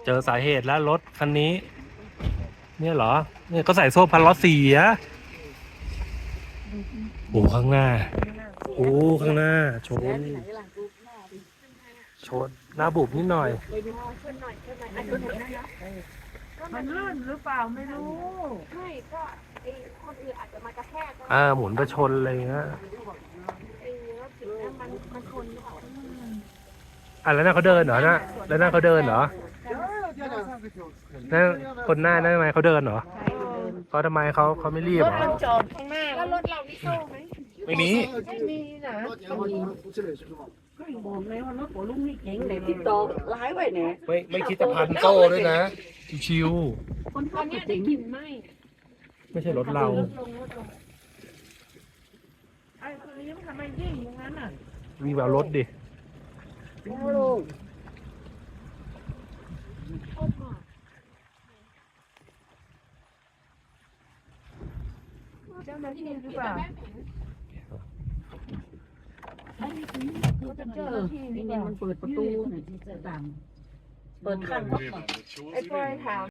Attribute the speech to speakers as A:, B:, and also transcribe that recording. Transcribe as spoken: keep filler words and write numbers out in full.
A: จอสาเหตุแล้วรถคันนี้ เนี่ยเหรอ เนี่ยก็ใส่โซ่พันล้อเสียโอ้ข้างหน้าโอ้ข้างหน้าชนชนหน้าบุบนิดหน่อย
B: มันลื่นหรือเปล่าไม่รู้
C: ไม่ก็ไอ้คนอื่นอาจจะมากระแทกก็
A: อ่าหมุนไปชนอะไรเงี้ย
C: ไอ้รถถึงนั้นมันมันชนหรือเปล่า
A: อ่ะแล้วนั่นเขาเดินเหรอนะแล้วนั่นเขาเดินเหรอนั่นคนหน้านั่นทำไมเขาเดินเหรอเขาทำไมเขาเขาไม่รีบเหรอ
B: มันจอดข้างหน้า
C: แล้วรถเรามีโซ่ไหม
A: ไม่มี
B: ไม่มีนะบอกเลยว่ารถของลุงนี่เก่งเลยที่ต่อร้ายไว้เนี่ย
A: ไม่ไม่คิดจะพันโซ่ด้วยนะชิว
B: คน
C: ตอ
B: ขั
C: น
B: บ
C: เนี้ย
B: เก่
C: ได้
B: ง
C: กลิ่นไหม
A: ๆไม่ใช่รถเรา
B: ไอ้คนนี้มันทำไมยิ่งอย่างนั้นอ่ะ
A: วิ่งแบบรถดิ
B: เจ้าหน้าที่หรือเปล่าเจ้าหน้าที่นี่มันเปิดประตูเนี่ยที่จะดังเปิดขั้นไอ้ปอยถาม